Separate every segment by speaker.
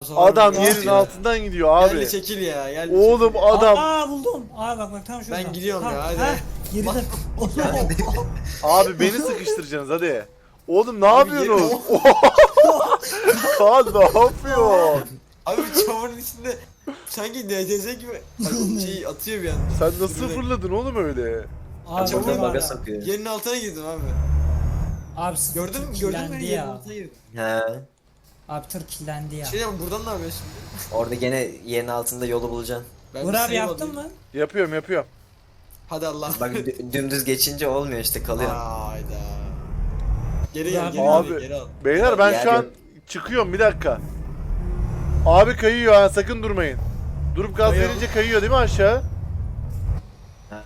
Speaker 1: sefer
Speaker 2: Adam
Speaker 1: buldum.
Speaker 2: yerin
Speaker 1: Ya.
Speaker 2: altından gidiyor abi.
Speaker 1: Yerli çekil ya. Yerli
Speaker 2: Oğlum
Speaker 1: çekil.
Speaker 2: adam.
Speaker 3: Aa buldum. Aa bak tam şurada.
Speaker 1: Ben gidiyorum
Speaker 3: Tam,
Speaker 1: ya, hadi.
Speaker 3: heh, girdim.
Speaker 2: Abi beni sıkıştıracaksınız hadi. Oğlum ne
Speaker 1: Abi,
Speaker 2: yapıyorsunuz? Kaan ne yapıyor?
Speaker 1: Abi çamurun içinde sanki NCS gibi şey atıyor bir anda.
Speaker 2: Sen nasıl fırladın oğlum öyle?
Speaker 3: Abi
Speaker 1: Çamur
Speaker 3: burada
Speaker 4: baga
Speaker 3: var.
Speaker 4: sokuyor.
Speaker 1: Yerin altına girdim abi.
Speaker 3: Abi
Speaker 1: Gördün mü? Gördün mü? Yerin
Speaker 3: ya.
Speaker 1: altına girdim.
Speaker 4: He.
Speaker 3: Abi tır kirlendi ya.
Speaker 1: Şey ama buradan ne yapıyorsun şimdi?
Speaker 4: Orada gene yerin altında yolu bulacaksın.
Speaker 1: Ben
Speaker 3: Uğur
Speaker 1: bir
Speaker 3: abi
Speaker 1: save
Speaker 3: yaptın
Speaker 1: alayım.
Speaker 3: mı?
Speaker 2: Yapıyorum.
Speaker 1: Hadi Allah.
Speaker 4: Bak dümdüz geçince olmuyor işte kalıyor.
Speaker 1: Hayda. Geri
Speaker 3: Uğur
Speaker 1: gel,
Speaker 3: abi-
Speaker 1: geri al,
Speaker 2: Abi.
Speaker 1: geri al.
Speaker 2: Beyler ben
Speaker 4: Yer
Speaker 2: şu an
Speaker 4: yok.
Speaker 2: çıkıyorum bir dakika. Abi kayıyor ha sakın durmayın. Durup gaz
Speaker 1: Kayıyor.
Speaker 2: verince kayıyor değil mi aşağı?
Speaker 4: Ha.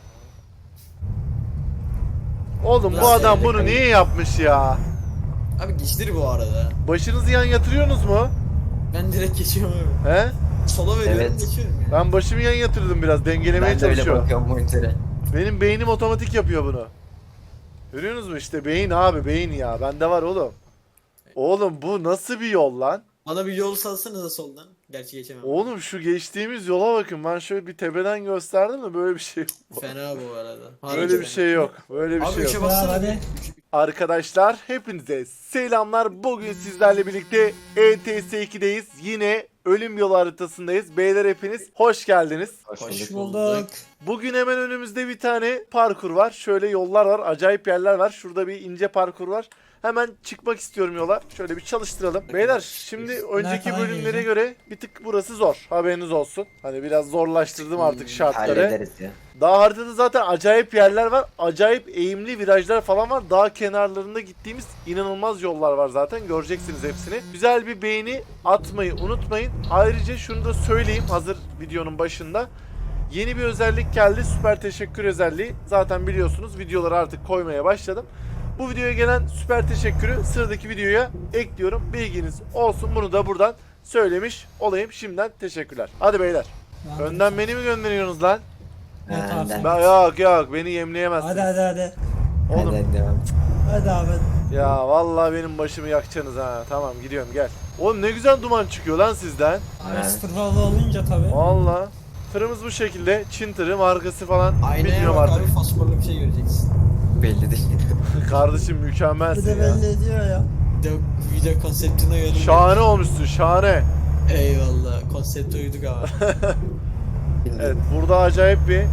Speaker 2: Oğlum bu
Speaker 1: Nasıl
Speaker 2: adam
Speaker 4: elde
Speaker 2: bunu
Speaker 4: kayıyor?
Speaker 2: niye yapmış ya?
Speaker 1: Abi geçtir bu arada.
Speaker 2: Başınızı yan yatırıyorsunuz mu?
Speaker 1: Ben direkt geçiyorum abi.
Speaker 2: He?
Speaker 1: Sola veriyorum
Speaker 4: Evet.
Speaker 1: geçiyorum ya.
Speaker 2: Ben başımı yan yatırdım biraz dengelemeye
Speaker 4: Ben de öyle
Speaker 2: çalışıyorum.
Speaker 4: bakıyorum monitöre.
Speaker 2: Benim beynim otomatik yapıyor bunu. Görüyorsunuz mu işte beyin abi beyin ya. Bende var oğlum. Oğlum bu nasıl bir yol lan?
Speaker 1: Bana bir yol salsanıza soldan. Gerçi geçemem.
Speaker 2: Oğlum şu geçtiğimiz yola bakın. Ben şöyle bir tepeden gösterdim de böyle bir şey yok.
Speaker 1: Fena bu arada.
Speaker 2: Böyle bir şey yok. Böyle bir
Speaker 1: Abi
Speaker 2: şey
Speaker 1: üçe
Speaker 2: yok.
Speaker 1: bassana
Speaker 3: Hadi.
Speaker 1: bir.
Speaker 2: Arkadaşlar hepinize selamlar. Bugün sizlerle birlikte ETS2'deyiz. Yine ölüm yolu haritasındayız. Beyler hepiniz hoş geldiniz.
Speaker 3: Hoş bulduk.
Speaker 2: Bugün hemen önümüzde bir tane parkur var. Şöyle yollar var. Acayip yerler var. Şurada bir ince parkur var. Hemen çıkmak istiyorum yola. Şöyle bir çalıştıralım. Beyler şimdi önceki
Speaker 3: falan
Speaker 2: bölümlere
Speaker 3: gireceğim?
Speaker 2: göre bir tık burası zor. Haberiniz olsun. Hani biraz zorlaştırdım artık şartları.
Speaker 4: Hallederiz ya.
Speaker 2: Dağ haritada zaten acayip yerler var. Acayip eğimli virajlar falan var. Dağ kenarlarında gittiğimiz inanılmaz yollar var zaten. Göreceksiniz hepsini. Güzel bir beğeni atmayı unutmayın. Ayrıca şunu da söyleyeyim hazır videonun başında. Yeni bir özellik geldi. Süper teşekkür özelliği. Zaten biliyorsunuz videoları artık koymaya başladım. Bu videoya gelen süper teşekkürü sıradaki videoya ekliyorum. Bilginiz olsun. Bunu da buradan söylemiş olayım. Şimdiden teşekkürler. Hadi beyler. Önden beni mi gönderiyorsunuz lan?
Speaker 3: Evet abi.
Speaker 4: Önden.
Speaker 2: Yok beni yemleyemezsiniz.
Speaker 3: Hadi.
Speaker 2: Oğlum
Speaker 4: Hadi devam.
Speaker 3: Hadi abi.
Speaker 2: ya vallahi benim başımı yakacaksınız ha. Tamam gidiyorum gel. Oğlum ne güzel duman çıkıyor lan sizden.
Speaker 3: Abi sıfırlı olunca tabi.
Speaker 2: Vallahi. Tırımız bu şekilde. Çin tırı markası falan
Speaker 1: Aynaya
Speaker 2: bilmiyorum
Speaker 1: bak
Speaker 2: artık.
Speaker 1: abi fosforlu bir şey göreceksin.
Speaker 4: Belli değil.
Speaker 2: Kardeşim
Speaker 3: Bir
Speaker 2: mükemmelsin
Speaker 3: de
Speaker 2: ya.
Speaker 3: belli ediyor ya.
Speaker 1: Video konseptine göre.
Speaker 2: Şahane olmuşsun şahane.
Speaker 1: Eyvallah. Konsepte uyduk abi.
Speaker 2: Evet burada acayip bir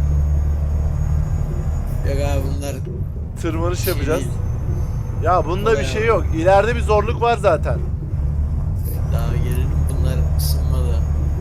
Speaker 1: Yok abi bunlar
Speaker 2: tırmanış yapacağız.
Speaker 1: değil.
Speaker 2: Ya bunda bir şey yok. İleride bir zorluk var zaten.
Speaker 1: Daha gelelim bunlar ısınmadı.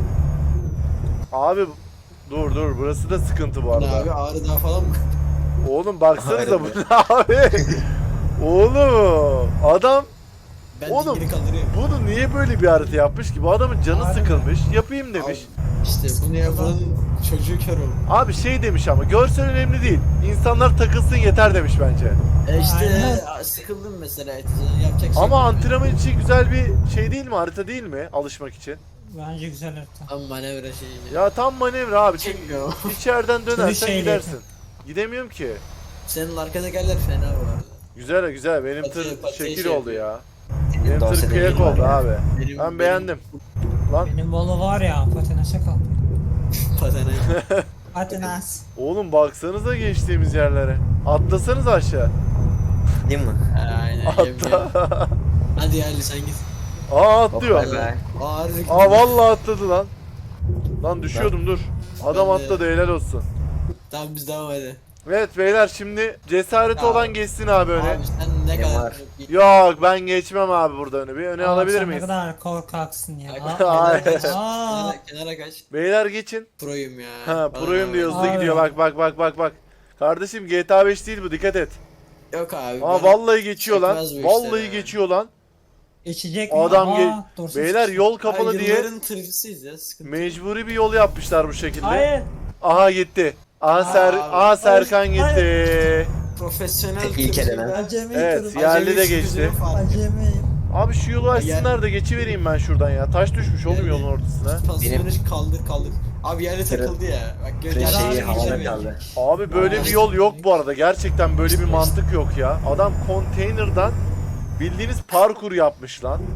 Speaker 2: Abi dur burası da sıkıntı bu
Speaker 1: Bu ne
Speaker 2: arada.
Speaker 1: abi Ağrı Dağı falan mı?
Speaker 2: Oğlum baksanıza
Speaker 4: Aynen.
Speaker 2: bu ne abi? Oğlum adam
Speaker 1: Ben
Speaker 2: Oğlum,
Speaker 1: dingini kaldırıyorum.
Speaker 2: bunu niye böyle bir harita yapmış ki? Bu adamın canı
Speaker 3: Harbi.
Speaker 2: sıkılmış. Yapayım demiş.
Speaker 1: İşte bunu yapan çocuğu kör oldu.
Speaker 2: Abi şey demiş ama görsel önemli değil. İnsanlar takılsın yeter demiş bence.
Speaker 1: İşte
Speaker 3: Aynen.
Speaker 1: sıkıldım mesela yapacak şey
Speaker 2: Ama
Speaker 1: yok.
Speaker 2: antrenman için güzel bir şey değil mi? Harita değil mi? Alışmak için.
Speaker 3: Bence güzel harita.
Speaker 1: Ama manevra şeyi.
Speaker 2: Ya tam manevra abi. Çünkü
Speaker 1: Çekmiyor.
Speaker 2: içeriden dönersen
Speaker 3: şeyle
Speaker 2: gidersin. Gidemiyorum ki.
Speaker 1: Senin arkadakiler fena bu arada.
Speaker 2: Güzel. Benim
Speaker 1: Pati-
Speaker 2: tır
Speaker 1: pati
Speaker 2: şekil
Speaker 1: şey
Speaker 2: oldu ya.
Speaker 4: Senin
Speaker 2: Benim tır
Speaker 4: dosyada
Speaker 2: kıyak
Speaker 4: yeri var
Speaker 2: oldu
Speaker 4: ya.
Speaker 2: abi.
Speaker 1: Benim,
Speaker 2: Ben beğendim. Lan
Speaker 3: Benim bolu var ya patinasya kaldı.
Speaker 1: Patene.
Speaker 3: Patinas.
Speaker 2: oğlum baksanıza geçtiğimiz yerlere. Atlasanız aşağı.
Speaker 4: Değil mi?
Speaker 1: Aynen.
Speaker 2: Atla.
Speaker 1: Hadi yerli sen git.
Speaker 2: Aa
Speaker 4: Hop,
Speaker 2: atlıyor.
Speaker 4: bay bay.
Speaker 1: Ağrı.
Speaker 2: Aa vallahi atladı lan. Lan düşüyordum dur. Adam
Speaker 1: Ben de-
Speaker 2: atladı helal olsun.
Speaker 1: Tamam biz devam edelim.
Speaker 2: Evet beyler şimdi cesareti
Speaker 1: Ya.
Speaker 2: olan geçsin abi öne.
Speaker 1: Abi sen ne
Speaker 4: Ne
Speaker 1: kadar...
Speaker 4: var?
Speaker 2: Yok ben geçmem abi burada öne. Bir öne alabilir
Speaker 3: Sen
Speaker 2: miyiz?
Speaker 3: ne kadar korkaksın ya.
Speaker 1: Ay,
Speaker 2: Ay.
Speaker 1: kenara kaç.
Speaker 3: Aa.
Speaker 1: Kenara kaç.
Speaker 2: Beyler geçin.
Speaker 1: Proyum ya.
Speaker 2: Ha
Speaker 1: Bana
Speaker 2: proyum
Speaker 1: ne
Speaker 2: diyor
Speaker 1: var?
Speaker 2: hızlı
Speaker 3: Abi.
Speaker 2: gidiyor bak. Kardeşim GTA 5 değil bu dikkat et.
Speaker 1: Yok abi.
Speaker 2: Aa
Speaker 1: bana
Speaker 2: vallahi geçiyor lan.
Speaker 1: çekmez bu işleri
Speaker 2: Vallahi
Speaker 1: ya.
Speaker 2: geçiyor lan.
Speaker 3: Geçecek mi?
Speaker 2: Adam
Speaker 3: Aa, dursun.
Speaker 2: Beyler yol kapalı
Speaker 1: Ay,
Speaker 2: diye
Speaker 1: yılların tırcısıyız ya sıkıntı.
Speaker 2: mecburi bir yol yapmışlar bu şekilde.
Speaker 3: Hayır.
Speaker 2: Aha gitti.
Speaker 1: Aa,
Speaker 2: Serkan
Speaker 3: hayır.
Speaker 2: gitti.
Speaker 1: Profesyonel
Speaker 4: Tek ilk
Speaker 1: tırcı
Speaker 4: elenen.
Speaker 1: ya.
Speaker 3: Acemi
Speaker 2: Evet,
Speaker 3: tırım.
Speaker 2: ya.
Speaker 1: Acemi
Speaker 2: Yerli de
Speaker 1: sürücünün
Speaker 2: geçti.
Speaker 1: farkı.
Speaker 3: Acemiyim.
Speaker 2: Abi şu yolu açsınlar da geçivereyim ben şuradan ya. Taş düşmüş oğlum
Speaker 1: Yerli.
Speaker 2: yolun ortasına.
Speaker 1: Pozisyonu kaldır. Abi yerle takıldı ya. Bak
Speaker 4: Tırın
Speaker 1: gör.
Speaker 3: Yarın
Speaker 4: şeyi
Speaker 3: abi
Speaker 4: havada
Speaker 3: geçemeyiz.
Speaker 4: kaldı.
Speaker 2: Abi böyle bir yol yok bu arada. Gerçekten böyle bir mantık yok ya. Adam konteynerdan bildiğiniz parkur yapmış lan.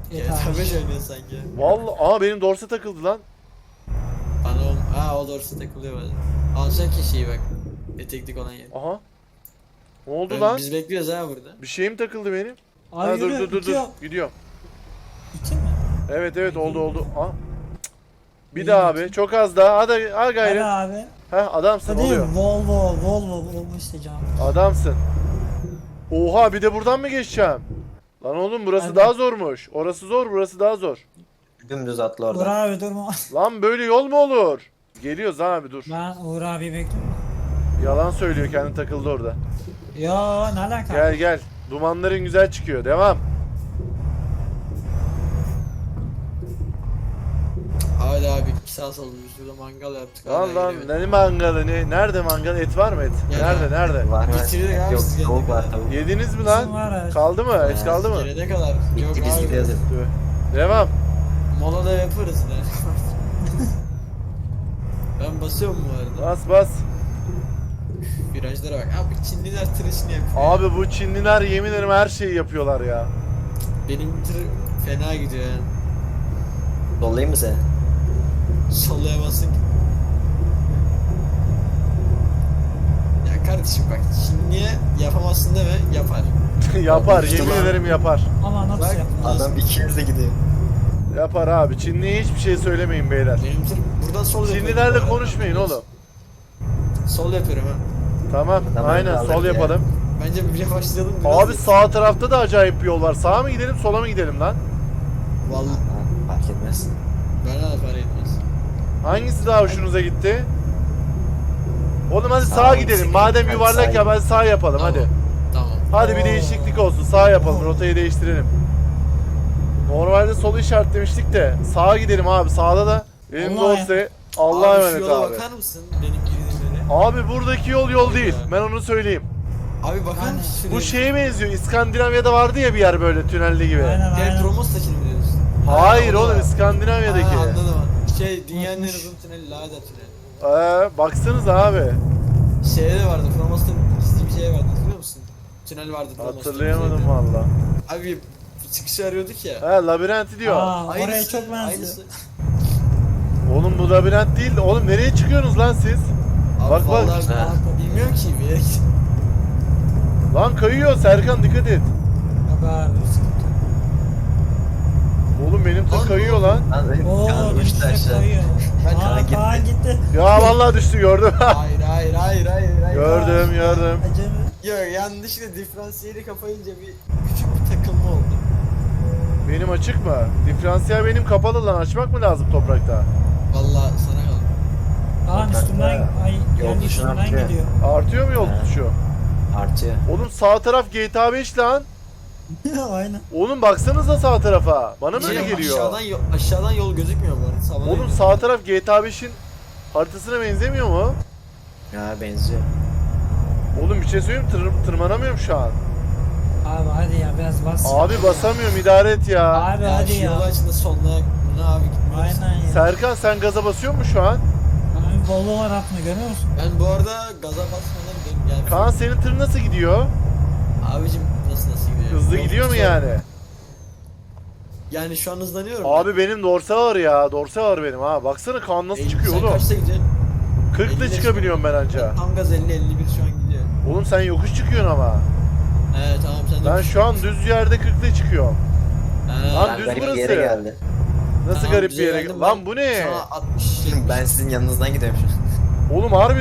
Speaker 1: GTA 5 oynuyor sanki.
Speaker 2: Vallahi benim dorse takıldı lan.
Speaker 1: Bana o doğrusu takılıyor bazen. Alacak ki şeyi bak. Eteklik olan yer.
Speaker 2: Aha. Ne oldu lan?
Speaker 1: Biz bekliyoruz ha burada.
Speaker 2: Bir şeyim takıldı benim.
Speaker 3: Abi
Speaker 2: Ha,
Speaker 3: yürü,
Speaker 2: dur.
Speaker 3: itiyor.
Speaker 2: Gidiyor.
Speaker 3: İki mi?
Speaker 2: Evet oldu. Ha. Bir daha abi. Çok az daha. Hadi
Speaker 3: Hadi
Speaker 2: gayrı.
Speaker 3: abi.
Speaker 2: Heh adamsın
Speaker 3: Hadi
Speaker 2: oluyor.
Speaker 3: Volvo işte canım.
Speaker 2: Adamsın. Oha bir de buradan mı geçeceğim? Lan oğlum burası
Speaker 3: Hadi.
Speaker 2: daha zormuş. Orası zor, burası daha zor.
Speaker 4: Dümdüz atla
Speaker 3: Uğur
Speaker 4: oradan.
Speaker 3: abi durma.
Speaker 2: Lan böyle yol mu olur? Geliyoruz abi dur.
Speaker 3: Ben Uğur abi bekliyorum.
Speaker 2: Yalan söylüyor kendi takıldı orada.
Speaker 3: Ya ne alaka?
Speaker 2: Gel. Dumanların güzel çıkıyor. Devam.
Speaker 1: Hadi abi 2 saat oldu biz burada mangal yaptık.
Speaker 2: Lan
Speaker 1: hala gelemedik.
Speaker 2: ne mangalı ne? Nerede mangal? Et var mı et?
Speaker 1: Ya.
Speaker 2: Nerede?
Speaker 4: Var
Speaker 1: Bitirdik abi
Speaker 4: Yok
Speaker 1: siz
Speaker 4: tavuk
Speaker 1: gelene
Speaker 4: var
Speaker 1: kadar.
Speaker 4: tavuk.
Speaker 2: Yediniz mi
Speaker 3: Bizim
Speaker 2: lan?
Speaker 3: var ha.
Speaker 2: Kaldı mı? Et kaldı mı?
Speaker 1: Gelene kadar. Yok
Speaker 4: Bitti biz
Speaker 1: abi.
Speaker 4: gidiyoruz.
Speaker 2: Devam.
Speaker 1: Mola da yaparız ne? Ben basıyorum bu arada.
Speaker 2: Bas.
Speaker 1: Virajlara bak. Abi Çinliler tırışını yapıyor.
Speaker 2: Abi bu Çinliler yemin ederim her şeyi yapıyorlar ya.
Speaker 1: Benim tır fena gidiyor yani.
Speaker 4: Dollayayım mı seni?
Speaker 1: Sallayamazsın ki. Ya kardeşim bak Çinliye yapamazsın deme yapar.
Speaker 2: Yapar
Speaker 4: İşte
Speaker 2: yemin
Speaker 4: lan.
Speaker 2: ederim yapar.
Speaker 3: Ama nasıl
Speaker 1: Bak,
Speaker 3: yapıyorsun?
Speaker 4: Adam 200 de gidiyor.
Speaker 2: Yapar abi. Çinliye hiçbir şey söylemeyin beyler.
Speaker 1: Benim tır buradan sol yapıyorum. bu
Speaker 2: Çinlilerle
Speaker 1: arada.
Speaker 2: konuşmayın oğlum.
Speaker 1: Sol yapıyorum ha.
Speaker 2: Tamam
Speaker 4: Tamam,
Speaker 2: aynen
Speaker 4: kaldır
Speaker 2: sol
Speaker 4: ya.
Speaker 2: yapalım.
Speaker 1: Bence bir başlayalım. biraz
Speaker 2: Abi
Speaker 1: da-
Speaker 2: sağ tarafta da acayip bir yol var. Sağa mı gidelim sola mı gidelim lan?
Speaker 1: Vallahi
Speaker 4: Ha, fark etmez.
Speaker 1: bana da para etmez.
Speaker 2: Hangisi daha hoşunuza gitti? Oğlum hadi
Speaker 4: Sağ
Speaker 2: sağa
Speaker 4: ol,
Speaker 2: gidelim.
Speaker 4: sıkıntı.
Speaker 2: Madem
Speaker 4: Hadi
Speaker 2: yuvarlak
Speaker 4: sağ
Speaker 2: ya ben sağ yapalım
Speaker 1: Tamam.
Speaker 2: hadi.
Speaker 1: Tamam.
Speaker 2: Hadi bir
Speaker 3: Oo.
Speaker 2: değişiklik olsun. Sağ yapalım. Rotayı değiştirelim. Normalde solu işaretlemiştik de sağa gidelim abi. Sağda da benim
Speaker 3: Allah
Speaker 2: dostu Allah'a
Speaker 1: Abi şu
Speaker 2: emanet
Speaker 1: yola
Speaker 2: abi.
Speaker 1: bakar mısın? Benim girdiğim
Speaker 2: Abi buradaki yol değil. Ben onu söyleyeyim.
Speaker 1: Abi bakar mısın?
Speaker 2: Bu şeye benziyor. İskandinavya'da vardı ya bir yer böyle tünelli gibi.
Speaker 3: Aynen
Speaker 1: Gel
Speaker 3: aynen.
Speaker 1: Promos'takini mi diyorsun?
Speaker 2: Hayır
Speaker 1: Ha, o da
Speaker 2: oğlum
Speaker 1: var.
Speaker 2: İskandinavya'daki.
Speaker 1: Ha, anladım. Dünyanın en
Speaker 3: Unutmuş.
Speaker 1: uzun tüneli Lada tüneli.
Speaker 2: Baksanıza abi.
Speaker 1: Şeyde vardı Promos'ta gizli bir şey vardı hatırlıyor musun? Tünel vardı Promos'ta.
Speaker 2: Hatırlayamadım valla.
Speaker 1: Abi çıkışı arıyorduk ya.
Speaker 2: He labirenti diyor.
Speaker 3: Aa, oraya
Speaker 1: Aynısı,
Speaker 3: çok benziyor.
Speaker 1: aynısı.
Speaker 2: Oğlum bu labirent değil. Oğlum nereye çıkıyorsunuz lan siz?
Speaker 1: Abi
Speaker 2: Bak, bak.
Speaker 1: vallahi
Speaker 4: Ha.
Speaker 1: bilmiyorum ki bir yere git.
Speaker 2: Lan kayıyor Serkan dikkat et.
Speaker 3: Yok abi sıkıntı.
Speaker 2: Oğlum benim
Speaker 1: Lan
Speaker 2: tır kayıyor lan.
Speaker 4: Lan
Speaker 3: Oo
Speaker 4: kan uçtu
Speaker 3: dönüşe
Speaker 4: aşağı.
Speaker 3: koyuyor.
Speaker 1: Ben
Speaker 3: Aa
Speaker 4: Kaan gitti.
Speaker 3: Kaan gitti.
Speaker 2: Ya vallahi düştü gördüm.
Speaker 1: Hayır.
Speaker 2: gördüm.
Speaker 3: Acemi.
Speaker 1: Yok yanlışlıkla diferansiyeli kapayınca bir küçük bir takılma oldu.
Speaker 2: Benim açık mı? Diferansiyel benim kapalı lan. Açmak mı lazım toprakta?
Speaker 1: Vallahi sana kaldı.
Speaker 3: Kaan üstümden
Speaker 4: Yol
Speaker 3: yani
Speaker 4: dışına
Speaker 3: üstümden
Speaker 4: atıyor.
Speaker 3: gidiyor.
Speaker 2: Artıyor mu yol
Speaker 4: He.
Speaker 2: tutuşu?
Speaker 4: Artıyor.
Speaker 2: Oğlum sağ taraf GTA 5 lan.
Speaker 3: Aynen.
Speaker 2: Oğlum baksanıza sağ tarafa. Bana mı öyle
Speaker 1: Şey,
Speaker 2: geliyor?
Speaker 1: aşağıdan yol gözükmüyor bu arada. Sağdan
Speaker 2: Oğlum
Speaker 1: yol.
Speaker 2: sağ taraf GTA 5'in haritasına benzemiyor mu?
Speaker 4: Ya benziyor.
Speaker 2: Oğlum bir şey söyleyeyim mi? Tırmanamıyorum şu an.
Speaker 3: Abi hadi ya biraz bas.
Speaker 2: Abi basamıyorum idare et ya.
Speaker 3: Abi
Speaker 1: Ya
Speaker 3: hadi
Speaker 1: şu yol
Speaker 3: ya.
Speaker 1: açında sonuna ne abi gitmiyoruz.
Speaker 3: Aynen ya.
Speaker 2: Serkan sen gaza basıyor musun şu an?
Speaker 3: Abi Volvo var atma görüyor musun?
Speaker 1: Ben bu arada gaza basmadan gidiyorum. Yani
Speaker 2: Kaan senin tır nasıl gidiyor?
Speaker 1: abicim nasıl gidiyor?
Speaker 2: Hızlı
Speaker 1: Yol
Speaker 2: gidiyor mu
Speaker 1: tutuyor.
Speaker 2: yani?
Speaker 1: Yani şu an hızlanıyorum.
Speaker 2: Abi benim dorse var ya. Dorse var benim ha. Baksana Kaan nasıl çıkıyor
Speaker 1: Sen
Speaker 2: oğlum.
Speaker 1: kaçta gidiyorsun?
Speaker 2: 40 ile
Speaker 1: 50'le
Speaker 2: çıkabiliyorum ben anca.
Speaker 1: Tam gaz 50-51 şu an gidiyor.
Speaker 2: Oğlum sen yokuş çıkıyorsun ama.
Speaker 1: Tamam sen de.
Speaker 2: Ben şu an düz yerde 40 ile çıkıyorum. Lan
Speaker 4: Ben
Speaker 2: düz
Speaker 4: garip bir
Speaker 2: burası.
Speaker 4: yere geldi.
Speaker 2: Nasıl
Speaker 1: Tamam,
Speaker 2: garip bir
Speaker 1: bize
Speaker 2: yere?
Speaker 1: geldim,
Speaker 2: Lan
Speaker 1: ben
Speaker 2: bu ne?
Speaker 1: Sana 60
Speaker 4: Ben sizin yanınızdan gidiyorum şu an.
Speaker 2: Oğlum harbi...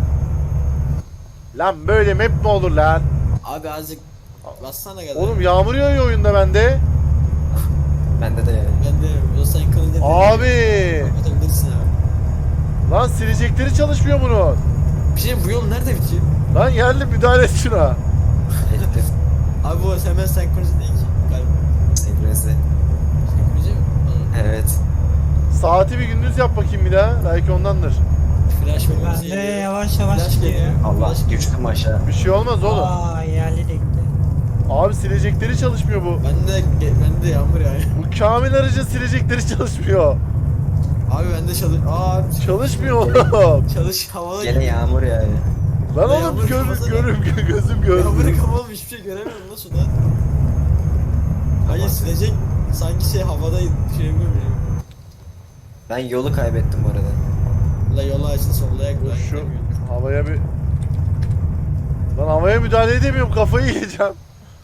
Speaker 2: Lan böyle map mi olur lan?
Speaker 1: Abi azıcık bassana gaza.
Speaker 2: Oğlum yağmur yağıyor oyunda bende.
Speaker 4: Bende de yani.
Speaker 1: Ben de yoksa yıkılınca
Speaker 2: Abi.
Speaker 1: kapatabilirsin abi.
Speaker 2: Lan silecekleri çalışmıyor bunun.
Speaker 1: Bir şey bu yol nerede bitiyor?
Speaker 2: Lan yerli müdahale et şuna.
Speaker 4: Ettir.
Speaker 1: Abi bu hemen senkronize değil ki. Galiba.
Speaker 4: Senkronize.
Speaker 1: Senkronize mi? Anladım.
Speaker 4: Evet.
Speaker 2: Saati bir gündüz yap bakayım bir daha. Belki ondandır.
Speaker 1: Flash
Speaker 3: Ben
Speaker 1: bakması
Speaker 3: de
Speaker 1: geliyor.
Speaker 3: yavaş yavaş
Speaker 1: Flash
Speaker 3: gidiyor.
Speaker 1: geliyor.
Speaker 4: Allah
Speaker 1: Flash geliyor.
Speaker 4: düştüm aşağı.
Speaker 2: Bir şey olmaz oğlum.
Speaker 3: Aa yerli de gitti.
Speaker 2: Abi silecekleri çalışmıyor bu.
Speaker 1: Ben de yağmur yani.
Speaker 2: Bu Kamil aracın silecekleri çalışmıyor.
Speaker 1: Abi ben de abi
Speaker 2: Çalışmıyor oğlum.
Speaker 1: çalış havalı.
Speaker 4: Gene yağmur yani.
Speaker 2: Lan
Speaker 1: Ya
Speaker 2: oğlum
Speaker 1: yağmur kafasına-
Speaker 2: gözüm
Speaker 1: Yağmuru
Speaker 2: gördü.
Speaker 1: kapalı hiçbir şey göremiyorum lan şuradan. Hayır silecek Sanki şey havadaydı. Şey yapıyorum.
Speaker 4: Ben yolu kaybettim bu arada.
Speaker 1: La yolu açtı sollayak.
Speaker 2: Dur şu havaya bir... Lan havaya müdahale edemiyorum, kafayı yiyeceğim.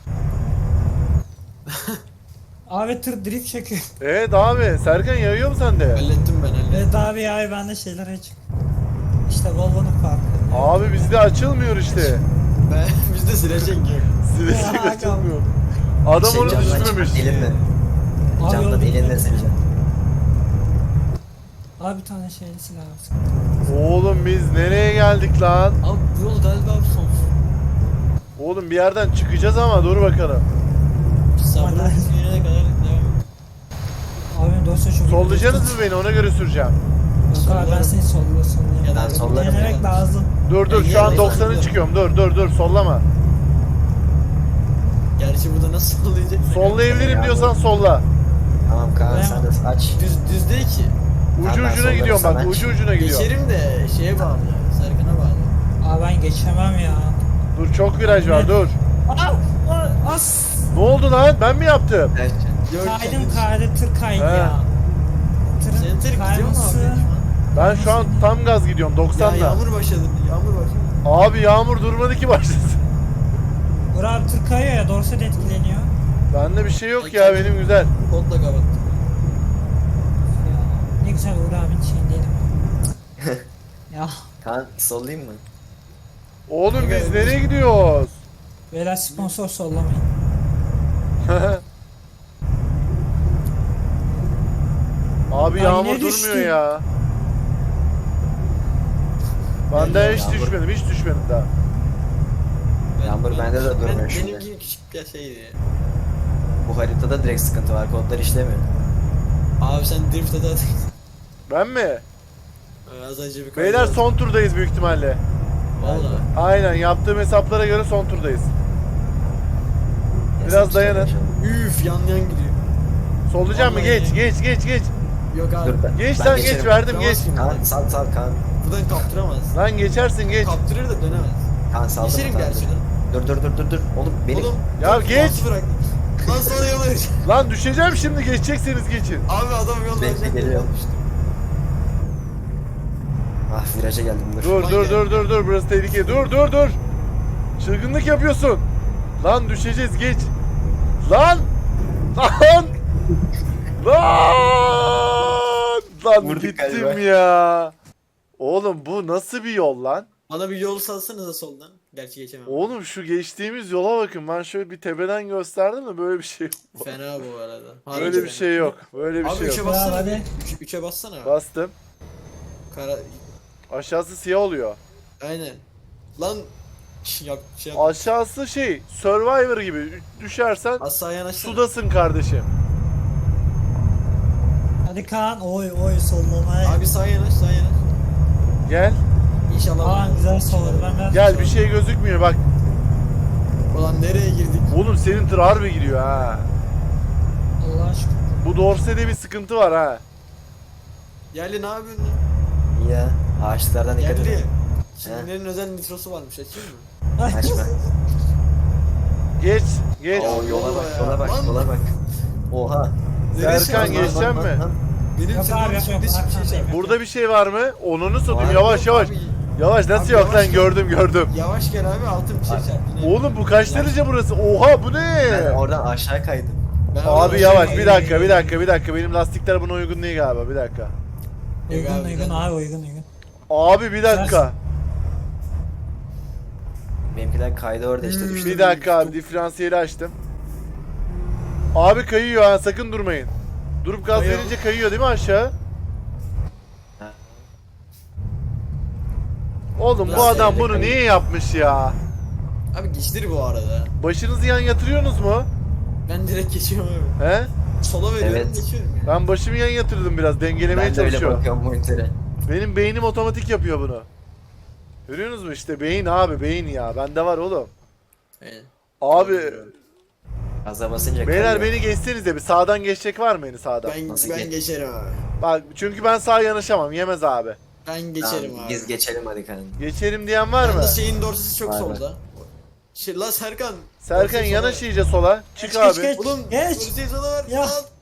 Speaker 3: Abi tır drift çekiyor.
Speaker 2: Evet abi, Serkan yayıyor mu sende?
Speaker 1: Hallettim ben hallettim.
Speaker 3: Evet abi ya ben de şeyler açık. İşte Volvo'nun farkı.
Speaker 2: Abi bizde açılmıyor işte.
Speaker 1: Bizde silecek yok.
Speaker 2: Silecek
Speaker 3: Ya,
Speaker 2: açılmıyor. Adam onu
Speaker 4: camdan çık,
Speaker 2: düşürmemiş.
Speaker 4: Elinle.
Speaker 3: Abi
Speaker 4: Camdan
Speaker 3: yolu
Speaker 4: elinle
Speaker 3: bilmiyorum.
Speaker 4: sileceğim.
Speaker 3: Abi bir tane şeyli silah alsın.
Speaker 2: Oğlum biz nereye geldik lan?
Speaker 1: Abi bu yol galiba sonsuz.
Speaker 2: Oğlum bir yerden çıkacağız ama dur bakalım.
Speaker 1: Sabrın
Speaker 3: Hadi.
Speaker 1: suyuna kadar devam.
Speaker 3: Abi dosya çok...
Speaker 2: Sollayacaksınız mı beni, ona göre süreceğim.
Speaker 3: Yok abi ben seni sollayayım.
Speaker 1: Ya
Speaker 4: ben sollarım
Speaker 3: Denemek
Speaker 1: ya.
Speaker 3: lazım.
Speaker 2: Dur şu an 90'ı çıkıyorum, dur sollama.
Speaker 1: Gerçi burada nasıl sollayacak?
Speaker 2: Sollayabilirim
Speaker 4: Ya,
Speaker 2: diyorsan solla.
Speaker 4: Tamam Kaan sen de aç.
Speaker 1: Düz değil ki.
Speaker 2: Ucu
Speaker 4: ben
Speaker 2: ucuna
Speaker 4: sollarım,
Speaker 2: gidiyorum
Speaker 4: sen
Speaker 2: bak,
Speaker 4: aç.
Speaker 2: ucu ucuna gidiyorum.
Speaker 1: Geçerim de şeye bağlı. Serkan'a bağlı.
Speaker 3: Abi ben geçemem ya.
Speaker 2: Dur çok viraj var, dur.
Speaker 3: As!
Speaker 2: Ne oldu lan? Ben mi yaptım?
Speaker 4: Evet.
Speaker 1: Yok,
Speaker 3: Kaydı tır kaydı
Speaker 2: He.
Speaker 3: ya.
Speaker 1: Senin tır gidiyor mu
Speaker 3: kayması.
Speaker 1: abi?
Speaker 2: Ben şu an tam gaz gidiyorum
Speaker 1: Ya
Speaker 2: 90'la.
Speaker 1: yağmur başladı. Yağmur başladı.
Speaker 2: Abi yağmur durmadı ki başlasın.
Speaker 3: Uğur abi tır kayıyor ya dorsa da etkileniyor.
Speaker 2: Bende bir şey yok ya, benim güzel.
Speaker 1: Kodla kapattım.
Speaker 3: Ya, ne güzel Uğur abinin şeyindeydim. Ya
Speaker 4: Kaan sollayayım mı?
Speaker 2: Oğlum biz nereye gidiyoruz?
Speaker 3: beyler sponsor sollamayın.
Speaker 2: Abi
Speaker 3: Ay,
Speaker 2: yağmur
Speaker 3: ne
Speaker 2: durmuyor
Speaker 3: düştün?
Speaker 2: ya. Benden hiç
Speaker 4: Yağmur.
Speaker 2: düşmedim, hiç düşmedim daha.
Speaker 4: Yağmur bende de durmuyor şimdi.
Speaker 1: Benimki küçük bir şeydi.
Speaker 4: Bu haritada direkt sıkıntı var. Kodlar işlemiyor.
Speaker 1: Abi sen drift adı at.
Speaker 2: Ben mi?
Speaker 1: Az önce bir
Speaker 2: Beyler son turdayız büyük ihtimalle.
Speaker 1: Valla.
Speaker 2: Aynen, yaptığım hesaplara göre son turdayız. Biraz dayanın.
Speaker 1: Üf yan gidiyor.
Speaker 2: Sollayacağım mı?
Speaker 1: Vallahi
Speaker 2: Geç.
Speaker 1: Yok abi.
Speaker 4: Dur ben.
Speaker 2: Geç
Speaker 4: ben
Speaker 2: lan,
Speaker 4: geçerim.
Speaker 2: geç verdim, geç.
Speaker 4: Kaan sal Kaan.
Speaker 1: Buradan kaptıramaz.
Speaker 2: Lan geçersin, geç.
Speaker 1: Kaptırır da dönemez.
Speaker 4: Kaan saldım.
Speaker 1: Geçerim gerçi lan.
Speaker 4: Dur. Oğlum benim.
Speaker 1: Oğlum.
Speaker 2: Ya
Speaker 1: dur,
Speaker 2: geç.
Speaker 1: mouse bırak. Lan sana yol vereceğim.
Speaker 2: Lan düşeceğim şimdi, geçecekseniz geçin.
Speaker 1: Abi adam yol
Speaker 4: Bekle,
Speaker 1: verecek.
Speaker 4: geliyor. Ah viraja geldim dur.
Speaker 2: Dur, burası tehlikeli. Dur. Çılgınlık yapıyorsun. Lan düşeceğiz, geç. Lan! Lan
Speaker 4: Vurduk
Speaker 2: gittim
Speaker 4: galiba.
Speaker 2: ya. Oğlum bu nasıl bir yol lan?
Speaker 1: Bana bir yol salsanıza soldan. Gerçi geçemem.
Speaker 2: Oğlum şu geçtiğimiz yola bakın. Ben şöyle bir tepeden gösterdim de böyle bir şey yok.
Speaker 1: Fena bu arada.
Speaker 2: Böyle bir şey yok. Böyle bir
Speaker 1: Abi
Speaker 2: şey
Speaker 1: 3'e
Speaker 2: yok.
Speaker 1: bassana.
Speaker 3: Hadi.
Speaker 1: 3'e bassana.
Speaker 2: Bastım.
Speaker 1: Kara...
Speaker 2: Aşağısı siyah oluyor.
Speaker 1: Aynen. Lan yap şey yap.
Speaker 2: Aşağısı şey, Survivor gibi. Düşersen
Speaker 1: Aşağı yanaşsana.
Speaker 2: sudasın kardeşim.
Speaker 3: Hadi Kaan oy sollamaya.
Speaker 1: Abi sağa yanaş.
Speaker 2: Gel.
Speaker 1: İnşallah.
Speaker 3: Kaan güzel solladı ben biraz.
Speaker 2: Gel, bir şey gözükmüyor bak.
Speaker 1: Ulan nereye girdik?
Speaker 2: Oğlum senin tır harbi gidiyor ha.
Speaker 3: Allah aşkına.
Speaker 2: Bu dorsede bir sıkıntı var ha.
Speaker 1: Yerli ne yapıyorsun lan?
Speaker 4: İyi ya. Ağaçlardan dikkat
Speaker 1: Yerli.
Speaker 4: edin.
Speaker 1: Çinlilerin özel nitrosu varmış açayım mı?
Speaker 4: Açma.
Speaker 2: Geç.
Speaker 4: Oo yola bak. Oha.
Speaker 2: Serkan,
Speaker 1: Neresi var?
Speaker 2: geçecek mi?
Speaker 1: Benim
Speaker 3: Yok
Speaker 1: tırnağım
Speaker 3: abi, yok,
Speaker 1: şimdi hiçbir şey
Speaker 3: arkandayım.
Speaker 1: yapmıyor.
Speaker 2: Burada bir şey var mı? Onunu satayım.
Speaker 4: Var.
Speaker 2: Yavaş.
Speaker 1: Abi,
Speaker 2: Yavaş nasıl
Speaker 1: Abi
Speaker 2: yok
Speaker 1: yavaş
Speaker 2: lan,
Speaker 1: gel.
Speaker 2: gördüm.
Speaker 1: Yavaş gel abi altın bir şey çarp. Yine.
Speaker 2: Oğlum bu kaç derece burası? Oha bu ne?
Speaker 4: Ben oradan aşağı kaydım.
Speaker 1: Ben oradan
Speaker 2: Abi
Speaker 1: aşağı
Speaker 2: yavaş,
Speaker 1: kayıyorum.
Speaker 2: bir dakika. Benim lastikler buna uygun değil galiba. Bir dakika.
Speaker 3: Uygun abi uygun.
Speaker 2: Abi bir dakika.
Speaker 4: Benimkiler kaydı orada işte düştü.
Speaker 2: Bir dakika abi, diferansiyeli açtım. Abi kayıyor ha, sakın durmayın. Durup gaz
Speaker 1: Kayıyor.
Speaker 2: verince kayıyor değil mi aşağı?
Speaker 4: Ha.
Speaker 2: Oğlum bu
Speaker 1: Biraz
Speaker 2: adam
Speaker 4: evde
Speaker 2: bunu
Speaker 4: kayıyor.
Speaker 2: niye yapmış ya?
Speaker 1: Abi geçtir bu arada.
Speaker 2: Başınızı yan yatırıyorsunuz mu?
Speaker 1: Ben direkt geçiyorum abi.
Speaker 2: He?
Speaker 1: Sola veriyorum
Speaker 4: Evet.
Speaker 1: geçiyorum ya.
Speaker 2: Ben başımı yan yatırdım biraz, dengelemeye
Speaker 4: Ben de öyle
Speaker 2: çalışıyorum.
Speaker 4: bakıyorum monitöre.
Speaker 2: Benim beynim otomatik yapıyor bunu. Görüyorsunuz mu işte, beyin abi, beyin ya. Bende var oğlum.
Speaker 1: Aynen.
Speaker 2: Abi
Speaker 4: Gaza basınca
Speaker 2: beyler
Speaker 4: kayıyor.
Speaker 2: beni geçsenize, bir sağdan geçecek var mı beni sağdan?
Speaker 4: Nasıl
Speaker 1: Ben
Speaker 4: geç-
Speaker 1: geçerim abi.
Speaker 2: Bak çünkü ben sağa yanaşamam, yemez abi.
Speaker 1: Ben geçerim
Speaker 4: Tamam,
Speaker 1: abi.
Speaker 4: biz geçelim hadi Kaan.
Speaker 2: Geçerim diyen var mı?
Speaker 1: Yalnız şeyin dorsesi çok
Speaker 4: Var,
Speaker 1: solda. La Serkan.
Speaker 2: Serkan
Speaker 1: dorsesi
Speaker 2: yanaş
Speaker 1: sola.
Speaker 2: iyice sola. Çık
Speaker 3: Geç,
Speaker 2: abi.
Speaker 3: geç.
Speaker 1: Oğlum
Speaker 3: Geç.
Speaker 1: dorseyi sola ver.
Speaker 3: Ya.
Speaker 1: Al.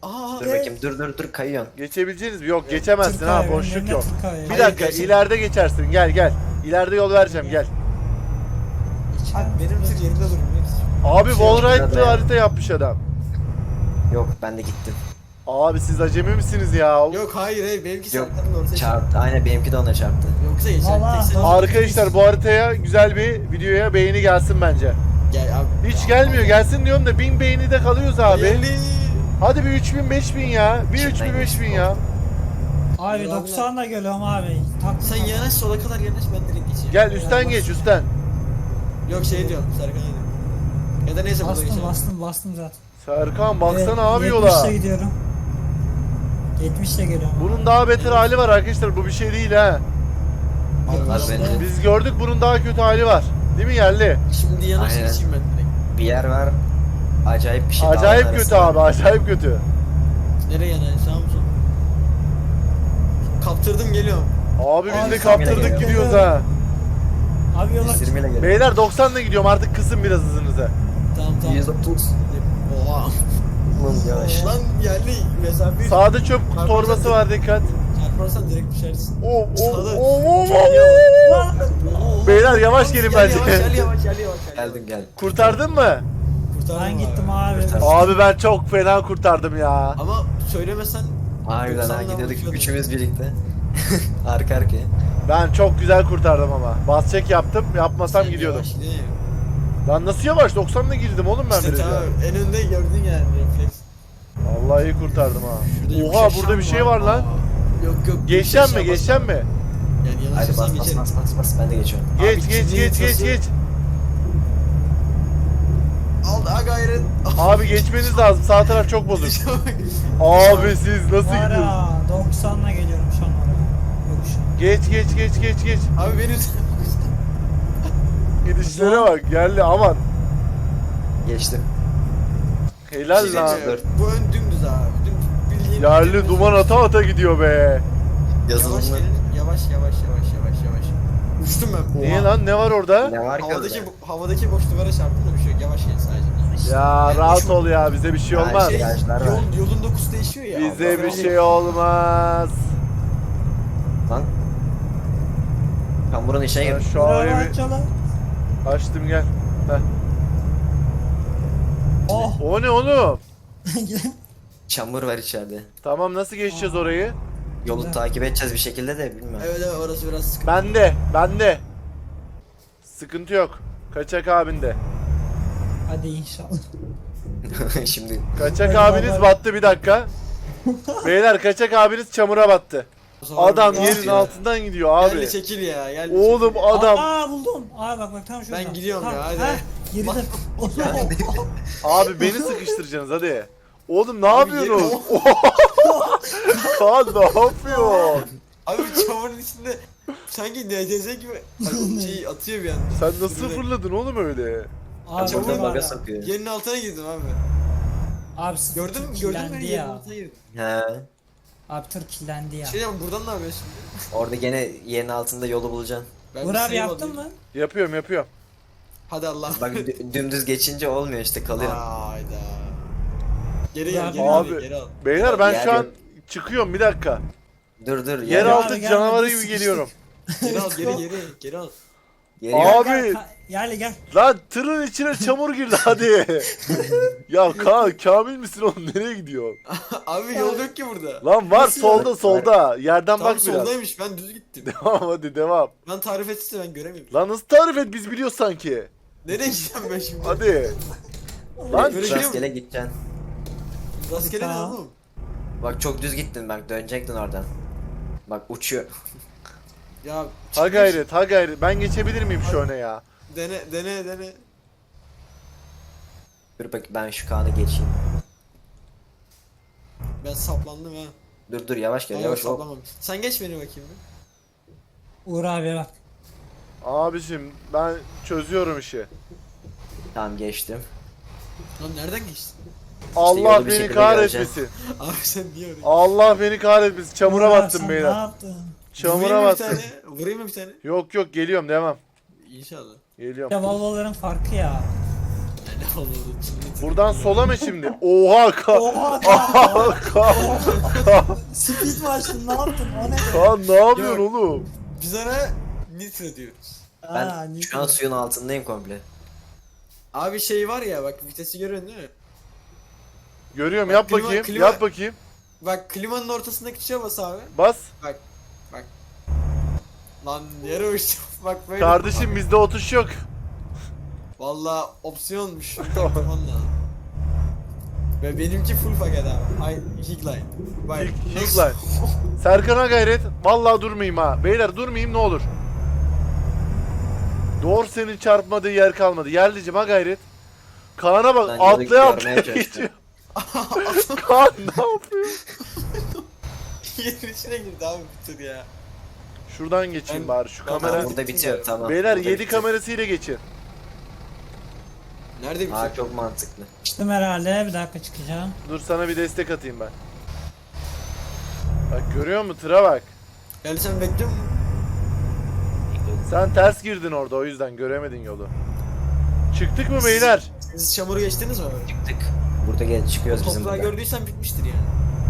Speaker 1: Aa
Speaker 4: Dur bakayım, dur kayıyorsun.
Speaker 2: Geçebileceğiniz mi? Yok geçemezsin
Speaker 3: Tırk
Speaker 2: ha,
Speaker 3: abi,
Speaker 2: boşluk
Speaker 3: önlerine
Speaker 2: yok.
Speaker 3: tırk abi.
Speaker 2: Bir
Speaker 1: Hayır,
Speaker 2: dakika,
Speaker 1: geçemem.
Speaker 2: ileride geçersin, gel. İleride yol vereceğim, gel.
Speaker 1: Abi benim tır yerinde durmuyor.
Speaker 2: Abi Wallride'lı
Speaker 4: şurada ya.
Speaker 2: harita yapmış adam.
Speaker 4: Yok, ben de gittim.
Speaker 2: Abi siz acemi misiniz ya?
Speaker 1: Yok hayır benimki
Speaker 4: Yok,
Speaker 1: Serkan'ın ortaya
Speaker 4: çarptı. Aynen, benimki de ona çarptı.
Speaker 1: Yoksa geçer.
Speaker 3: Vallahi.
Speaker 1: tek sen-
Speaker 2: Arkadaşlar bu haritaya güzel bir videoya beğeni gelsin bence.
Speaker 1: Gel abi.
Speaker 2: Hiç gelmiyor, gelsin diyorum da 1000 beğeni de kalıyoruz abi.
Speaker 1: Geldi.
Speaker 2: Hadi bir 3000 5000 ya. Bir
Speaker 4: İçinden
Speaker 2: 3000 5000 ya.
Speaker 3: Abi 90'la geliyorum abi.
Speaker 1: Sen yanaş sola kadar yanaş ben direkt geçeyim.
Speaker 2: Gel üstten geç üstten.
Speaker 1: Yok şey diyorum Serkan'a diyorum. Ya da neyse burada geçelim.
Speaker 3: Bastım zaten.
Speaker 2: Serkan baksana abi
Speaker 3: 70'le
Speaker 2: yola.
Speaker 3: gidiyorum. 70'le geliyorum.
Speaker 2: Bunun daha beter hali var arkadaşlar. Bu bir şey değil ha.
Speaker 4: Az önce
Speaker 2: Biz gördük, bunun daha kötü hali var. Değil mi yerli?
Speaker 1: Şimdi yanaş
Speaker 4: Aynen.
Speaker 1: geçeyim ben direkt.
Speaker 4: bir yer var. Acayip bir şey.
Speaker 2: Acayip
Speaker 4: dağların
Speaker 2: kötü
Speaker 4: arasında.
Speaker 2: abi, acayip kötü.
Speaker 1: Nereye yanaş sağ mı sol? Kaptırdım geliyorum.
Speaker 2: Abi biz
Speaker 3: Abi
Speaker 2: de
Speaker 3: sen
Speaker 2: kaptırdık
Speaker 4: geliyor.
Speaker 2: gidiyoruz ha.
Speaker 3: Abi yola
Speaker 4: 120 ile geliyor.
Speaker 2: Beyler 90'la gidiyorum, artık kısın biraz hızınızı.
Speaker 1: Tamam.
Speaker 4: 130.
Speaker 1: Oha.
Speaker 4: Yavaş.
Speaker 1: Lan yerli mesafe.
Speaker 2: Sağda çöp torbası var, dikkat.
Speaker 1: Çarparsan direkt düşersin.
Speaker 2: Oh oh
Speaker 1: Sağda-
Speaker 2: oh oh
Speaker 3: Lan!
Speaker 1: Oo.
Speaker 2: Beyler yavaş gelin
Speaker 1: Gel,
Speaker 2: bence.
Speaker 1: Yavaş.
Speaker 4: Geldim.
Speaker 2: Kurtardın mı?
Speaker 1: Kurtardım
Speaker 3: Ben gittim abi.
Speaker 4: Kurtar.
Speaker 2: Abi ben çok fena kurtardım ya.
Speaker 1: Ama söylemesen
Speaker 4: Harbiden ha,
Speaker 1: 90'dan
Speaker 4: gidiyorduk
Speaker 1: uçuyordum.
Speaker 4: üçümüz birlikte. Arka arkaya.
Speaker 2: Ben çok güzel kurtardım ama. Bas çek yaptım, yapmasam
Speaker 1: sen
Speaker 2: gidiyordum.
Speaker 1: yavaş değil mi?
Speaker 2: Lan nasıl yavaş? 90'la girdim oğlum ben
Speaker 1: İşte
Speaker 2: biraz.
Speaker 1: tamam en önde gördün yani refleks.
Speaker 2: Vallahi iyi kurtardım ha.
Speaker 1: Şurada
Speaker 2: Oha
Speaker 1: yokuş
Speaker 2: burada bir
Speaker 1: aşağı
Speaker 2: şey var lan.
Speaker 1: Aa, Yok yok.
Speaker 2: Geçeceğim mi?
Speaker 1: yokuş aşağı
Speaker 2: Geçeceğim mi?
Speaker 1: bas. Yani
Speaker 4: Hadi
Speaker 1: yanaşırsan
Speaker 4: bas
Speaker 1: geçerim.
Speaker 4: ben de geçiyorum.
Speaker 2: Geç
Speaker 1: Abi,
Speaker 2: geç
Speaker 1: ikinci
Speaker 2: geç geç
Speaker 1: vitesi-
Speaker 2: geç.
Speaker 1: Al daha gayret.
Speaker 2: Abi geçmeniz lazım. Sağ taraf çok bozuk. Abi siz nasıl
Speaker 3: Var
Speaker 2: gidiyorsunuz?
Speaker 3: ya 90'la geliyorum şu an oraya. Yok şu an.
Speaker 2: Geç.
Speaker 1: Abi benim
Speaker 2: Gidişlere bak. Geldi aman.
Speaker 4: Geçtim.
Speaker 2: Helal
Speaker 1: Şey
Speaker 2: lan.
Speaker 1: diyeceğim, bu ön dümdüz abi. Dümdüz bildiğin
Speaker 2: Yerli
Speaker 1: dümdüz.
Speaker 2: duman ata gidiyor be.
Speaker 1: Yavaş
Speaker 4: Yazılımlı.
Speaker 1: gelin. Yavaş. Uçtum ben.
Speaker 2: Niye
Speaker 1: Oha.
Speaker 2: lan, ne var orada?
Speaker 4: Ne var ki
Speaker 1: Havadaki
Speaker 4: orada?
Speaker 1: havadaki boş duvara çarptım da bir şey yok. Yavaş gel sadece.
Speaker 2: Ya
Speaker 1: Yani
Speaker 2: rahat
Speaker 1: şu-
Speaker 2: ol ya, bize bir şey
Speaker 4: Ya
Speaker 2: olmaz.
Speaker 4: şey- Virajlar var.
Speaker 1: Yolun dokusu değişiyor ya.
Speaker 2: Bize
Speaker 1: Allah
Speaker 2: bir
Speaker 1: Allah.
Speaker 2: şey olmaz.
Speaker 4: Lan. Ben buranın işe
Speaker 2: Ben
Speaker 4: girdim.
Speaker 2: şu an
Speaker 3: Bravo
Speaker 2: evi
Speaker 3: Açal'a.
Speaker 2: açtım, gel. Heh.
Speaker 3: Oh.
Speaker 2: O ne oğlum?
Speaker 4: Çamur var içeride.
Speaker 2: Tamam, nasıl geçeceğiz orayı?
Speaker 4: Yolu
Speaker 3: Güzel.
Speaker 4: takip edeceğiz bir şekilde de bilmiyorum.
Speaker 1: Evet orası biraz sıkıntı.
Speaker 2: Bende. Sıkıntı yok. Kaçak abinde.
Speaker 3: Hadi inşallah.
Speaker 4: Şimdi
Speaker 2: Kaçak
Speaker 3: Hadi
Speaker 2: abiniz
Speaker 3: baba.
Speaker 2: battı, bir dakika. Beyler kaçak abiniz çamura battı. Adam
Speaker 1: Biraz-
Speaker 2: yerin altından gidiyor abi.
Speaker 1: Gel çekil ya. Gel
Speaker 2: Oğlum
Speaker 1: çekil.
Speaker 2: adam.
Speaker 3: Aa buldum. Abi bak tam şurada.
Speaker 1: Ben gidiyorum
Speaker 3: Tam,
Speaker 1: ya, hadi.
Speaker 3: heh, Geride.
Speaker 2: Abi beni sıkıştıracaksınız hadi. Oğlum ne
Speaker 1: Abi
Speaker 2: yapıyorsunuz? Kaan ne yapıyor?
Speaker 1: Abi çamurun içinde sanki NCS gibi şey atıyor bir anda.
Speaker 2: Sen nasıl
Speaker 1: Sürünerek.
Speaker 2: fırladın oğlum öyle?
Speaker 3: Abi
Speaker 1: Çamur
Speaker 3: burada
Speaker 4: burada
Speaker 3: var
Speaker 4: baga
Speaker 3: ya.
Speaker 4: sokuyor.
Speaker 1: Yerin altına girdim abi.
Speaker 3: Abi sıfır
Speaker 1: Gördün
Speaker 3: tır
Speaker 1: mü
Speaker 3: kirlendi
Speaker 1: yerin
Speaker 3: ya.
Speaker 1: altına girdim.
Speaker 4: He.
Speaker 3: Abi tır kirlendi ya.
Speaker 1: Şey diyeceğim buradan ne yapıyorsun şimdi?
Speaker 4: Orada gene yerin altında yolu bulacaksın.
Speaker 1: Ben
Speaker 3: Uğur
Speaker 1: bir
Speaker 3: abi
Speaker 1: save
Speaker 3: yaptın
Speaker 1: alayım.
Speaker 3: mı?
Speaker 2: Yapıyorum.
Speaker 1: Hadi Allah.
Speaker 4: Bak dümdüz geçince olmuyor işte, kalıyor.
Speaker 1: Hayda. Geri
Speaker 3: Ya
Speaker 1: gel geri
Speaker 2: abi,
Speaker 1: al geri al.
Speaker 2: Beyler ben
Speaker 4: Yer
Speaker 2: şu an
Speaker 4: yok.
Speaker 2: çıkıyorum, bir dakika.
Speaker 4: Dur.
Speaker 2: Yeraltı
Speaker 3: abi, gel,
Speaker 2: canavarı
Speaker 3: biz
Speaker 2: gibi
Speaker 3: sıkıştık.
Speaker 2: geliyorum.
Speaker 1: Geri al geri al.
Speaker 4: Geliyor.
Speaker 2: Abi.
Speaker 3: Gel.
Speaker 2: Lan tırın içine çamur girdi hadi. Ya Kamil misin oğlum, nereye gidiyor?
Speaker 1: Abi yol yok ki burada.
Speaker 2: Lan var
Speaker 3: Nasıl
Speaker 2: solda. Yerden
Speaker 1: Tam
Speaker 2: bak biraz.
Speaker 1: soldaymış ben düz gittim.
Speaker 2: Devam hadi devam.
Speaker 1: Ben tarif etse ben göremiyorum.
Speaker 2: Lan nasıl tarif et, biz biliyoruz sanki.
Speaker 1: Nereye gideceğim ben şimdi?
Speaker 2: Hadi. Lan
Speaker 1: Böyle
Speaker 4: Rastgele gideceksin.
Speaker 1: Rastgele ne
Speaker 3: Tamam.
Speaker 1: oğlum?
Speaker 4: Bak çok düz gittin, bak dönecektin oradan. Bak uçuyor.
Speaker 1: Ya
Speaker 2: ha
Speaker 1: çıkmış.
Speaker 2: gayret. Ben geçebilir miyim şu öne ya?
Speaker 1: Dene.
Speaker 4: Dur bak, ben şu Kaan'ı geçeyim.
Speaker 1: Ben saplandım ha.
Speaker 4: Dur yavaş gel,
Speaker 1: Ben
Speaker 4: yavaş ol.
Speaker 1: saplamam. Sen geç beni bakayım bir.
Speaker 3: Uğur abi bak.
Speaker 2: Abicim ben çözüyorum işi.
Speaker 4: Tamam, geçtim.
Speaker 1: Lan nereden geçtin?
Speaker 2: Allah
Speaker 4: yolu bir
Speaker 2: beni
Speaker 4: şekilde
Speaker 2: kahretmesin.
Speaker 1: Abi sen niye öyle?
Speaker 2: Allah beni kahretmesin. Çamura
Speaker 3: Uğur abi,
Speaker 2: battım
Speaker 3: sen Ne
Speaker 2: beyler.
Speaker 3: yaptın?
Speaker 2: Çamura
Speaker 1: Vurayım mı bir
Speaker 2: battım.
Speaker 1: tane? Vurayım mı bir tane?
Speaker 2: Yok geliyorum, devam.
Speaker 1: İnşallah.
Speaker 2: Geliyorum.
Speaker 3: Ya Volvo'ların farkı ya.
Speaker 1: Ya Ne oldu?
Speaker 2: Buradan sola mı şimdi? Oha ka.
Speaker 3: Oha
Speaker 2: Aha ka.
Speaker 3: Speed mi açtın ne yaptın o ne?
Speaker 2: Kaan ne yapıyorsun oğlum?
Speaker 1: Biz ona nitro diyoruz.
Speaker 4: Ben şu an suyun altındayım komple.
Speaker 1: Abi şey var ya bak vitesi görüyorsun değil mi?
Speaker 2: Görüyorum
Speaker 1: Bak,
Speaker 2: yap
Speaker 1: klima-
Speaker 2: bakayım.
Speaker 1: klima-
Speaker 2: Yap bakayım.
Speaker 1: Bak klimanın ortasındaki tuşa bas abi.
Speaker 2: Bas.
Speaker 1: Bak. Lan yere uçtum. Bak böyle.
Speaker 2: Kardeşim bizde o tuş yok.
Speaker 1: Valla opsiyonmuş. Takman lazım. Ve benimki full paket abi. Ay Higline. Bak.
Speaker 2: Higline. Serkan'a gayret. Vallahi durmayayım ha. Beyler durmayayım ne olur. Dorse'nin çarpmadığı yer kalmadı. Yerlicim ha gayret. Kaan'a bak
Speaker 4: Ben
Speaker 2: atlaya
Speaker 4: görmeye
Speaker 2: atlaya
Speaker 4: çalışıyorum.
Speaker 2: geçiyor. Kaan ne yapıyor?
Speaker 1: Yerin içine girdi abi bir tur ya.
Speaker 2: Şuradan geçeyim
Speaker 1: Ben-
Speaker 2: bari şu
Speaker 1: ben-
Speaker 2: kamera.
Speaker 4: Burada bitiyor tamam.
Speaker 2: Beyler
Speaker 4: Burada
Speaker 2: 7
Speaker 4: bitiyor.
Speaker 2: kamerasıyla geçin.
Speaker 1: Nerede bir
Speaker 4: Aa
Speaker 1: tur?
Speaker 4: çok mantıklı.
Speaker 3: Çıktım herhalde bir dakika çıkacağım.
Speaker 2: Dur sana bir destek atayım ben. Bak görüyor musun? Tıra bak.
Speaker 1: Yani sen bekliyor musun?
Speaker 2: Sen ters girdin orada o yüzden göremedin yolu. Çıktık mı beyler?
Speaker 1: Siz çamuru geçtiniz mi abi?
Speaker 4: Çıktık. Burada çıkıyoruz bizim
Speaker 1: Toprağı
Speaker 4: burada.
Speaker 1: gördüysen bitmiştir yani.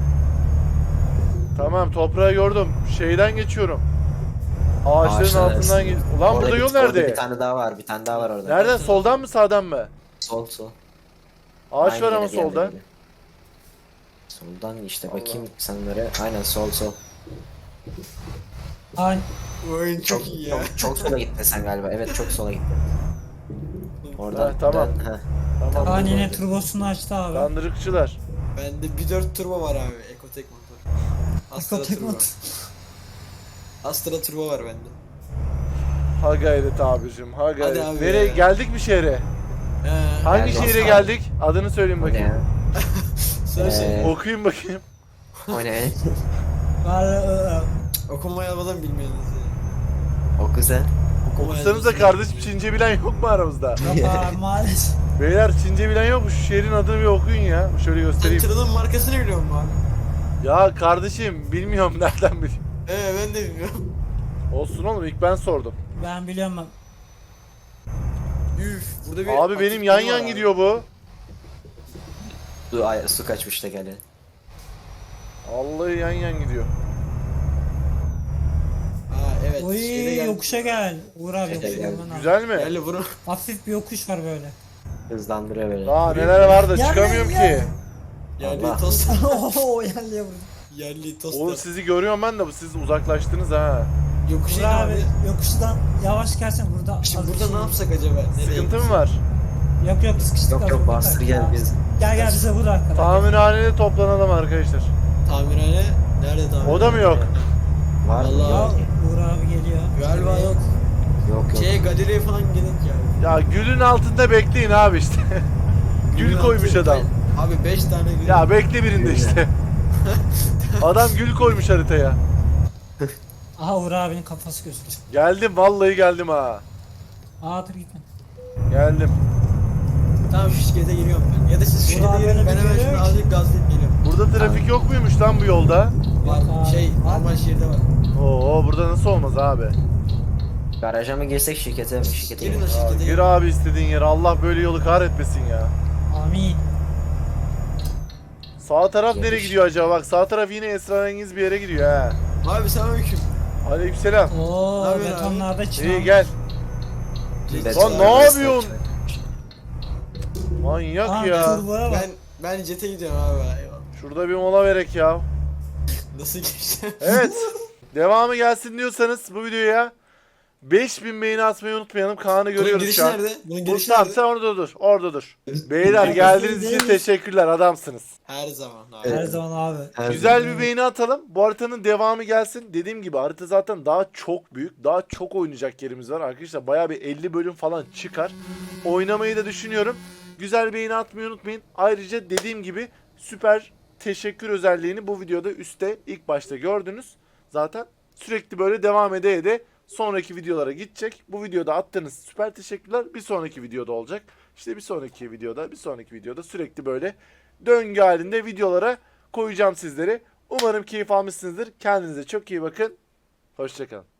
Speaker 2: Tamam toprağı gördüm. Şeyden geçiyorum. Ağaçların
Speaker 4: Ağaçlar
Speaker 2: altından
Speaker 4: arasında.
Speaker 2: geç. Ulan
Speaker 4: Orada
Speaker 2: burada yol
Speaker 4: orada
Speaker 2: nerede?
Speaker 4: bir tane daha var. Bir tane daha var orada.
Speaker 2: Nereden? Soldan mı sağdan mı?
Speaker 4: Sol sol.
Speaker 2: Ağaç
Speaker 4: Aynı
Speaker 2: var ama
Speaker 4: yere geldi
Speaker 2: solda.
Speaker 4: gibi. Soldan işte bakayım sanırım. Aynen sol sol.
Speaker 3: Ay
Speaker 1: Oyun çok
Speaker 4: Çok,
Speaker 1: iyi ya.
Speaker 4: çok sola gittin sen galiba. Evet çok sola gittin. Oradan
Speaker 2: Ha, tamam.
Speaker 4: dön. Heh.
Speaker 2: Tamam.
Speaker 4: Tamam.
Speaker 3: Kaan yine turbosunu açtı abi.
Speaker 2: Kandırıkçılar.
Speaker 1: Bende bir 4 turbo var abi. Ekotek motor. Astra
Speaker 3: Tek
Speaker 1: turbo.
Speaker 3: mod.
Speaker 1: Astra turbo var bende.
Speaker 2: Ha gayret abicim. Ha gayret.
Speaker 1: abi
Speaker 2: Nereye
Speaker 1: ya.
Speaker 2: geldik mi şehre? Hangi
Speaker 4: Geldik.
Speaker 2: şehre geldik? Adını söyleyin
Speaker 4: O ne
Speaker 2: bakayım.
Speaker 4: ya?
Speaker 1: Söyle şey.
Speaker 2: Okuyun bakayım.
Speaker 4: O ne?
Speaker 3: Var
Speaker 1: Okumayı almadan bilmiyorsunuz ya.
Speaker 4: O güzel.
Speaker 2: Okusanıza kardeşim Çince bilen yok mu aramızda?
Speaker 3: yok abi maalesef.
Speaker 2: Beyler Çince bilen yok mu? Şu şehrin adını bir okuyun ya. Şöyle
Speaker 1: Sen
Speaker 2: göstereyim.
Speaker 1: tırının markasını biliyor musun abi?
Speaker 2: Ya kardeşim bilmiyorum nereden bileyim.
Speaker 1: Ben de bilmiyorum.
Speaker 2: Olsun oğlum ilk ben sordum.
Speaker 3: Ben biliyorum ben.
Speaker 1: Üf, burada bir
Speaker 2: Abi benim
Speaker 1: aktif
Speaker 2: yan
Speaker 1: konu var
Speaker 2: yan
Speaker 1: abi.
Speaker 2: gidiyor bu.
Speaker 4: Su kaçmış da gene.
Speaker 2: Vallahi yan yan gidiyor.
Speaker 1: Evet.
Speaker 3: Oy
Speaker 1: şeyde geldi.
Speaker 3: yokuşa gel. Uğur abi
Speaker 4: Şeyde
Speaker 3: yokuşa
Speaker 4: geldi.
Speaker 3: gelmen abi.
Speaker 2: Güzel mi?
Speaker 1: Gel bunu.
Speaker 3: Hafif bir yokuş var böyle.
Speaker 4: Hızlandırıyor böyle.
Speaker 2: Daha neler var da
Speaker 3: Yan
Speaker 2: çıkamıyorum
Speaker 3: yan yan.
Speaker 2: ki.
Speaker 1: Yerli
Speaker 4: Allah.
Speaker 1: tost.
Speaker 3: Ooo yerliye vurdu.
Speaker 1: Yerli tost.
Speaker 2: Oğlum sizi görüyorum ben de siz uzaklaştınız ha.
Speaker 1: Yokuş
Speaker 3: Uğur
Speaker 1: in
Speaker 3: abi
Speaker 1: abi.
Speaker 3: yokuştan yavaş gelsen burada.
Speaker 1: Şimdi
Speaker 3: az bir
Speaker 1: burada
Speaker 3: şey-
Speaker 1: ne yapsak acaba? Nereye
Speaker 2: Sıkıntı mı
Speaker 1: gitsek?
Speaker 2: var?
Speaker 3: Yok sıkıştık.
Speaker 4: Yok
Speaker 3: az
Speaker 4: yok
Speaker 3: bir
Speaker 4: bastır
Speaker 3: dakika.
Speaker 4: gel biz.
Speaker 3: Gel bize vur arkadan.
Speaker 2: Tamirhanede toplanalım arkadaşlar.
Speaker 1: Tamirhane. Nerede tamirhane?
Speaker 2: O da mı yok?
Speaker 4: Var mı?
Speaker 1: Vallahi-
Speaker 3: Ya
Speaker 4: Yok.
Speaker 3: Uğur abi geliyor.
Speaker 1: Galiba yok.
Speaker 4: Yok yok.
Speaker 1: Galeriye falan gerek yani.
Speaker 2: Ya gülün altında bekleyin abi işte. Gül koymuş adam.
Speaker 1: Abi 5 tane gül.
Speaker 2: Ya bekle birinde işte. Adam gül koymuş haritaya.
Speaker 3: Aha Uğur abinin kafası gözüktü.
Speaker 2: Geldim vallahi geldim ha.
Speaker 3: Aa dur gitme.
Speaker 2: Geldim.
Speaker 1: Tamam şu şirkete giriyorum ben. Ya da siz şirkete
Speaker 3: Ulan
Speaker 1: girin
Speaker 3: böyle
Speaker 1: ben
Speaker 3: bir
Speaker 1: hemen
Speaker 3: geliyor
Speaker 1: şunu
Speaker 3: ki.
Speaker 1: azıcık gazlayıp geliyorum.
Speaker 2: Burada trafik yok muymuş lan bu yolda?
Speaker 1: Var
Speaker 3: abi,
Speaker 1: şey
Speaker 3: var.
Speaker 1: normal şehirde var.
Speaker 2: Oo burada nasıl olmaz abi?
Speaker 4: Garaja mı girsek şirkete mi? Şirkete
Speaker 1: Girin o
Speaker 4: girelim.
Speaker 2: Ya,
Speaker 1: şirkete
Speaker 2: gir
Speaker 1: girin.
Speaker 2: abi istediğin yere. Allah böyle yolu kahretmesin ya.
Speaker 3: Amin.
Speaker 2: Sağ taraf nereye
Speaker 4: Yarış.
Speaker 2: gidiyor acaba? Bak sağ taraf yine esrarengiz bir yere gidiyor ha.
Speaker 1: Abi selamünaleyküm.
Speaker 2: Aleykümselam.
Speaker 3: Oo
Speaker 1: Ne yapıyorsun
Speaker 3: betonlarda çıkan.
Speaker 2: İyi gel.
Speaker 4: Beton
Speaker 2: Lan ne
Speaker 4: arabası
Speaker 2: yapıyorsun?
Speaker 4: var.
Speaker 2: Manyak
Speaker 3: Aa,
Speaker 2: ya.
Speaker 3: turboya bak.
Speaker 1: Ben jete gidiyorum abi. Eyvallah.
Speaker 2: Şurada bir mola verek ya.
Speaker 1: Nasıl geçti?
Speaker 2: Evet. Devamı gelsin diyorsanız bu videoya 5000 beğeni atmayı unutmayalım. Kaan'ı
Speaker 1: Bunun
Speaker 2: görüyoruz
Speaker 1: girişi
Speaker 2: şu an.
Speaker 1: nerede? Bunun
Speaker 2: Bu,
Speaker 1: girişi
Speaker 2: tamam
Speaker 1: nerede?
Speaker 2: sen orada dur. Orada dur. Beyler geldiğiniz için teşekkürler. Adamsınız.
Speaker 1: Her zaman abi.
Speaker 3: Her zaman abi.
Speaker 4: Her
Speaker 2: Güzel
Speaker 4: zaman.
Speaker 2: bir beğeni atalım. Bu haritanın devamı gelsin. Dediğim gibi harita zaten daha çok büyük. Daha çok oynayacak yerimiz var. Arkadaşlar bayağı bir 50 bölüm falan çıkar. Oynamayı da düşünüyorum. Güzel beğeni atmayı unutmayın. Ayrıca dediğim gibi süper teşekkür özelliğini bu videoda üstte ilk başta gördünüz. Zaten sürekli böyle devam ede sonraki videolara gidecek. Bu videoda attığınız süper teşekkürler bir sonraki videoda olacak. İşte bir sonraki videoda sürekli böyle döngü halinde videolara koyacağım sizleri. Umarım keyif almışsınızdır. Kendinize çok iyi bakın. Hoşça kalın.